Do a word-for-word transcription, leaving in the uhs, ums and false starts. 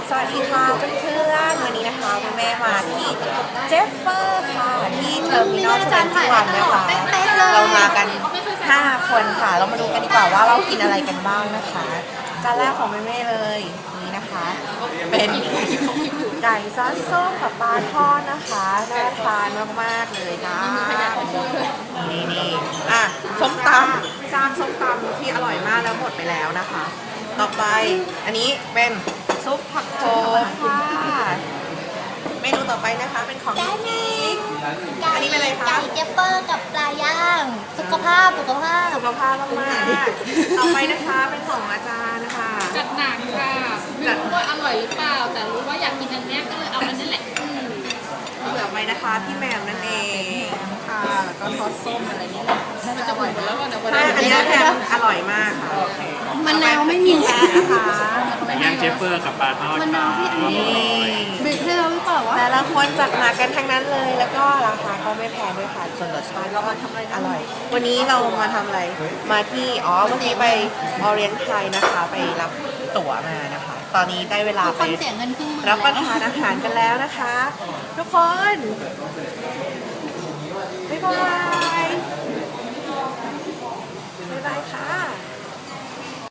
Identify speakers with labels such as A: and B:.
A: สวัสดีค่ะเพื่อนๆวันนี้นะคะคุณแม่มาที่เจฟเฟอร์ค่ะที่เทอร์มินอลทเวนตี้วันนะคะเรามากันห้าคนค่ะเรามาดูกันดีกว่าว่าเรากินอะไรกันบ้างนะคะจานแรกของแม่ๆเลยนี่นะคะเป็นไก่ซอสส้มกับปลาทอดนะคะน่าทานมากๆเลยนะนี่นี่อ่ะส้มตำจานส้มตำที่อร่อยมากแล้วหมดไปแล้วนะคะต่อไปอันนี้เป็นซุปผักโขมค่ะเมนูต่อไปนะคะเป็นของนิกอันนี้เป็นอะไรคะ
B: ไก่เจฟเฟอร์กับปลาย่างสุขภาพสุขภาพ
A: สุขภาพมากๆต่อไปนะคะเป็นของอาจารย์นะคะ
C: จัดหนักค่ะไม่รู้ว่าอร่อยหรือเปล่าแต่รู้ว่าอยากกินอันนี้ก็เลยเอาอันนั้นแหละ
A: เหลือไปนะคะพี่แหม่มนั่นเองค่ะแล้วก็ซอสส้มอะไรนี่แหละ
C: มันจะหมดแล้วนะวัน
A: ใช่
C: นี้
A: อันนี้แพมอร่อยมากค่ะ
B: มะนาวไม่มี
A: แพ้นะคะ
D: ย่างเจฟเฟอร์กับปลาทอด
B: มะนาวที่อันนี้
A: นี่
B: บีบให้เราหรือเปล่าวะ
A: แต่ละคนจัดหนักกันทั้งนั้นเลยแล้วก็ราคาก็ไม่แพงด้วยค่ะส่วนรสชาติก็อร่อย วันนี้เรามาทำอะไรมาที่อ๋อเมื่อกี้ไปออเรียนไทยนะคะไปรับตั๋วมานะคะ ตอนนี้ได้เวลา
B: ทุก
A: ไป
B: คนเสียเงินครึ่งหมื่น
A: รับประทานอาหารกันแล้วนะคะ ทุกคน บ๊ายบาย บ๊ายบายค่ะ